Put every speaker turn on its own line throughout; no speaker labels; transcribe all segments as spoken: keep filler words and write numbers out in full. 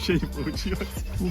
Ще не вийшло.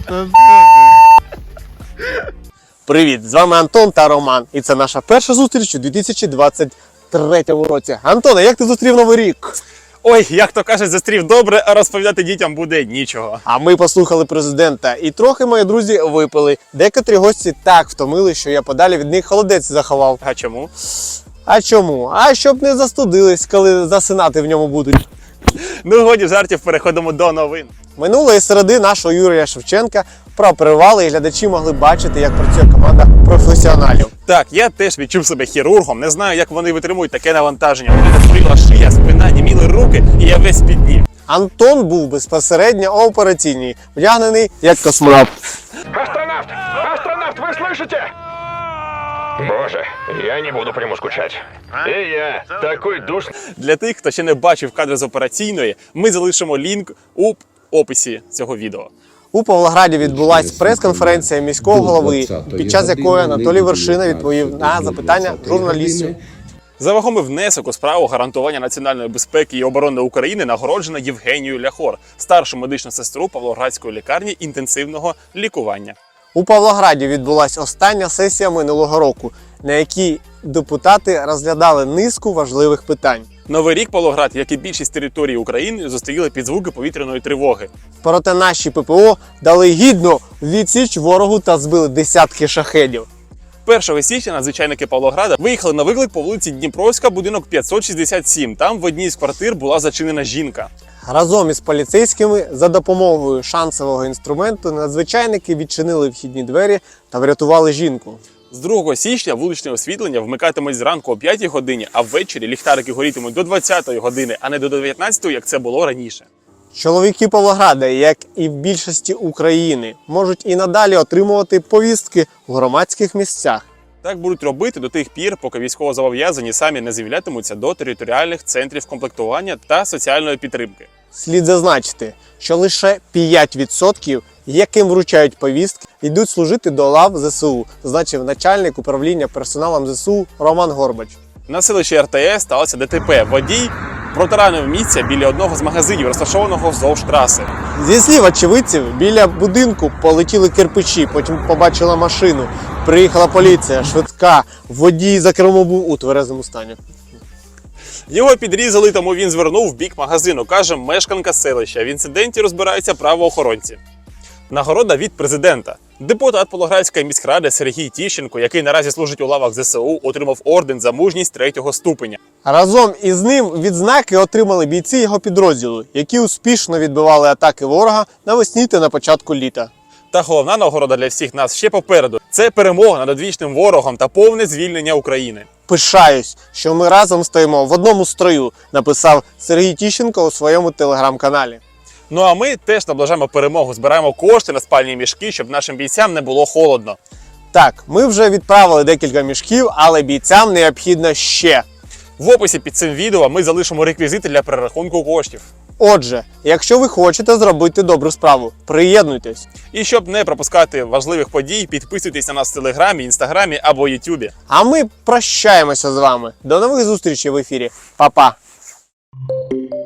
Привіт, з вами Антон та Роман. І це наша перша зустріч у дві тисячі двадцять третьому році. Антоне, як ти зустрів Новий рік?
Ой, як то кажуть, зустрів добре, а розповідати дітям буде нічого.
А ми послухали президента і трохи, мої друзі, випили. Декотрі гості так втомили, що я подалі від них холодець заховав.
А чому?
А чому? А щоб не застудились, коли засинати в ньому будуть.
Ну, годі жартів, переходимо до новин.
Минулої середи нашого Юрія Шевченка пропривали і глядачі могли бачити, як працює команда професіоналів.
Так, я теж відчув себе хірургом, не знаю, як вони витримують таке навантаження. У мене хворіла шия, спина, німіли руки, і я весь піднів.
Антон був безпосередньо у операційній, вдягнений як космонавт.
Астронавт! Астронавт, вы слышите? Боже, я не буду по нему скучать. И я, такой душ...
Для тих, хто ще не бачив кадри з операційної, ми залишимо лінк у описі цього відео.
У Павлограді відбулася прес-конференція міського голови, під час якої Анатолій Вершина відповів на запитання журналістів.
За вагомий внесок у справу гарантування національної безпеки і оборони України нагороджено Євгенію Ляхор, старшу медичну сестру Павлоградської лікарні інтенсивного лікування.
У Павлограді відбулася остання сесія минулого року, на якій депутати розглядали низку важливих питань.
Новий рік Павлоград, як і більшість території України, зустріли під звуки повітряної тривоги.
Проте наші ППО дали гідну відсіч ворогу та збили десятки шахедів.
першого січня надзвичайники Павлограда виїхали на виклик по вулиці Дніпровська, будинок п'ятсот шістдесят сім. Там в одній з квартир була зачинена жінка.
Разом із поліцейськими за допомогою шансового інструменту надзвичайники відчинили вхідні двері та врятували жінку.
З другого січня вуличне освітлення вмикатимуть зранку о п'ятій годині, а ввечері ліхтарики горітимуть до двадцятої години, а не до дев'ятнадцятої, як це було раніше.
Чоловіки Павлограда, як і в більшості України, можуть і надалі отримувати повістки в громадських місцях.
Так будуть робити до тих пір, поки військовозобов'язані самі не з'являтимуться до територіальних центрів комплектування та соціальної підтримки.
Слід зазначити, що лише п'ять відсотків, яким вручають повістки, йдуть служити до лав ЗСУ, зазначив начальник управління персоналом ЗСУ Роман Горбач.
На селищі Р Т С сталося Д Т П. Водій протаранив місця біля одного з магазинів, розташованого вздовж траси.
Зі слів очевидців, біля будинку полетіли кирпичі, потім побачила машину. Приїхала поліція, швидка, водій за кермом був у тверезому стані.
Його підрізали, тому він звернув в бік магазину, каже мешканка селища. В інциденті розбираються правоохоронці. Нагорода від президента. Депутат Павлоградської міськради Сергій Тіщенко, який наразі служить у лавах Зе Се У, отримав орден за мужність третього ступеня.
Разом із ним відзнаки отримали бійці його підрозділу, які успішно відбивали атаки ворога навесні та на початку літа.
Та головна нагорода для всіх нас ще попереду. Це перемога над одвічним ворогом та повне звільнення України.
Пишаюсь, що ми разом стоїмо в одному строю, написав Сергій Тіщенко у своєму телеграм-каналі.
Ну а ми теж наближаємо перемогу, збираємо кошти на спальні мішки, щоб нашим бійцям не було холодно.
Так, ми вже відправили декілька мішків, але бійцям необхідно ще.
В описі під цим відео ми залишимо реквізити для перерахунку коштів.
Отже, якщо ви хочете зробити добру справу, приєднуйтесь.
І щоб не пропускати важливих подій, підписуйтесь на нас в Телеграмі, Інстаграмі або Ютубі.
А ми прощаємося з вами. До нових зустрічей в ефірі. Па-па!